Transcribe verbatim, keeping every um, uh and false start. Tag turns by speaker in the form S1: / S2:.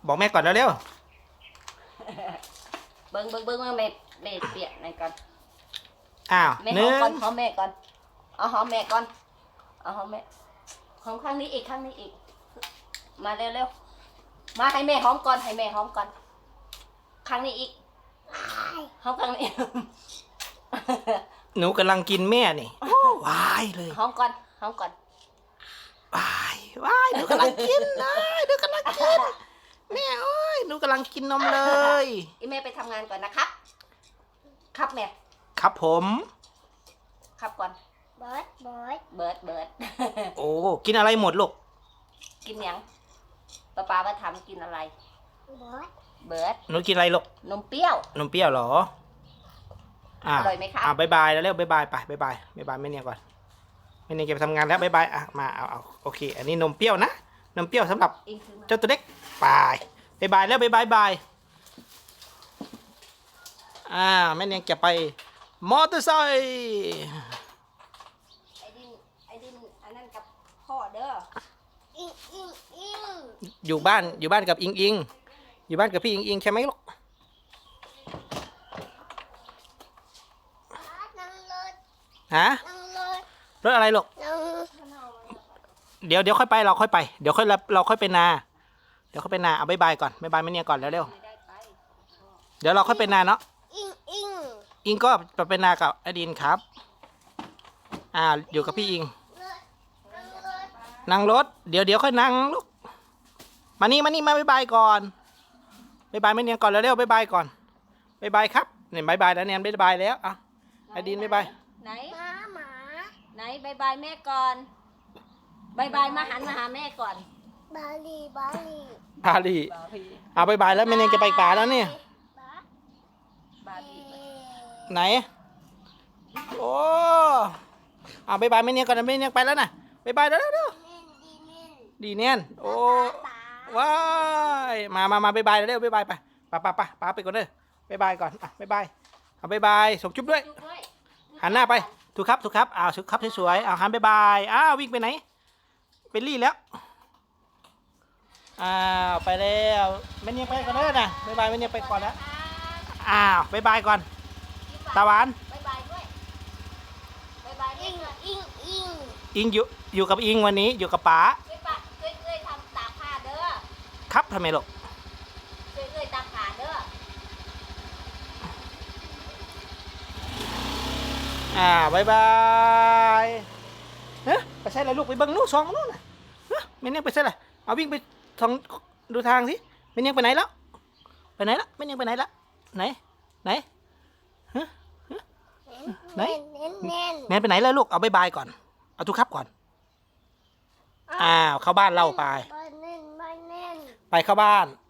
S1: บอกแม่ก่อนเร็ว
S2: เบิ้งเบิ้งเบิ้งว่าแม่แม่เปียกไหนก่อน
S1: ๆอ้าว
S2: แม่
S1: ห
S2: หอ
S1: นึ่
S2: ม
S1: ง
S2: ก่อนหอมแม่ก่อนเอาหอมแม่ก่อนเอาหอมแม่หอมข้างนี้อีกข้างนี้อีกมาเร็วเร็วมาให้แม่หอมก่อนให้แม่หอมก่อนข้างนี้อีกหอมข้างนี้
S1: หนูกำลังกินแม่นี่วายเลย
S2: หอมก่อนหอมก่อน
S1: วายวายหนูกำลังกินนะหนูกำลังกินแม่โอ้ยหนูกำลังกินนมเลย
S2: อีแม่ไปทำงานก่อนนะครับ ครับแม่
S1: ครับผม
S2: ครับก่อน
S3: เบิร์ดเบิร์ด
S2: เบิร์ดเบิร์ด
S1: โอ้กินอะไรหมดลูก
S2: กินยังป้าป้าว่าทำกินอะไร
S3: เบิร์ด
S2: เบิร์ด
S1: หนูกินอะไรลูก
S2: นมเปรี้ยว
S1: นมเปรี้ยวเหรออ่า
S2: อร่อยไหมคะ
S1: อ่าบายบายแล้วเร็วบายบายไปบายบายบายบายแม่เนี่ยก่อนแม่เนี่ยจะไปทำงานแล้วบายบายอ่ะมาเอาเอาโอเค อันนี้นมเปรี้ยวนะนมเปรี้ยวสำหรับ
S2: อิงซื้อมา
S1: เจ้าตัวเล็กไปบายบายแล้วบายบายบายอ่าแม่เนี่ยจะไปมอเตอร์ไซค์
S2: ไอ้ดินไอ้ดินอันนั้นกับพ่อเด้อ
S3: อิงอิงอิง
S1: อยู่บ้านอยู่บ้านกับอิงอิงอยู่บ้านกับพี่อิงอิงใช่ไหมลูก
S3: นั่งรถ
S1: ฮะ
S3: นั่งรถ
S1: รถอะไรลูก
S3: นั่ง
S1: เดี๋ยวเดี๋ยวค่อยไปเราค่อยไปเดี๋ยวค่อยเราค่อยไปนาเดี๋ยวค่อยไปนาเอาบายบายก่อนบายบายแม่เนี่ยก่อนแล้วเร็ว
S2: ไม่ได้ไป
S1: เดี๋ยวเราค่อยไปนาเนาะ
S3: อิงอิง
S1: อิงก็ไปไปนากับอดินครับอ่าอยู่กับพี่อิง
S3: รถนั่งรถ
S1: นั่งรถเดี๋ยวเดี๋ยวค่อยนั่งลูกมานี่มานี่มาบายบายก่อนบายบายแม่เนี่ยก่อนแล้วเร็วบายบายก่อนบายบายครับเนี่ยบายบายแล้วเนี่ยบายบายแล้วอ่ะอดินบายบาย
S2: ไหน
S3: หมาหมา
S2: ไหนบายบายแม่ก่อนบายบายมาหันมาหาแม่ก่อน
S3: บาลีบาลี
S1: บาลีเอาบายบายแล้วแม่เนี่ยจะไปป่าแล้วเนี่ย
S3: บา
S2: บาร์บี้
S1: ไหนโอ้เอาบายบายแม่เนี่ยก่อนนะแม่เนี่ยไปแล้วนะบายบายแล้วเร็ว
S3: เน่นดีเน่น
S1: ดีเนียนโอ้
S3: ตา
S1: ว้ายมามามาบายบายเร็วบายบายไปป้าป้าป้าป้าไปก่อนเด้อบายบายก่อนอ่ะบายบายเอาบายบายส่งจุ๊บด้วย
S2: จุ๊บด้วย
S1: หันหน้าไปถูกครับถูกครับอ้าวถูกครับสวยๆอ้าวหันบายบายอ้าววิ่งไปไหนไปรี่แล้วอ้าวไปแล้วแม่เนี่ยไปก่อนเด้อนะบายบายแม่เนี่ยไปก่อนแล้วอ้าวบายบายก่อนตาหวาน
S2: บายบายด้วยบายบาย
S3: อิ
S2: แม่
S3: ง
S2: ด้วย
S3: อิงอิง
S1: อิงอยู่อยู่กับอิงวันนี้อยู่กับป๋า
S2: ช่วยปะช่วยเอ้ยทำตากผ้าเด้อ
S1: ครับทำไมลูก
S2: ช่วยเอ้ยตากผ้าเด้อ
S1: อ่าบายบายเฮ้ยไปใช่อะไรลูกไปเบิ้งลูกสองนู่นน่ะเฮ้ยแม่เนี่ยไปใช่อะไรเอาวิ่งไปทางดูทางสิแม่เนี่ยไปไหนแล้วไปไหนละแม่เนี่ยไปไหนละไหนไหนฮะฮะไหน
S3: เน่นเน่น
S1: แม่ไปไหนแล้วลูกเอาบายบายก่อนเอาทุกครับก่อนอ้าวเข้าบ้านเราไป
S3: บาเน่นบาเน่น
S1: ไปเข้าบ้าน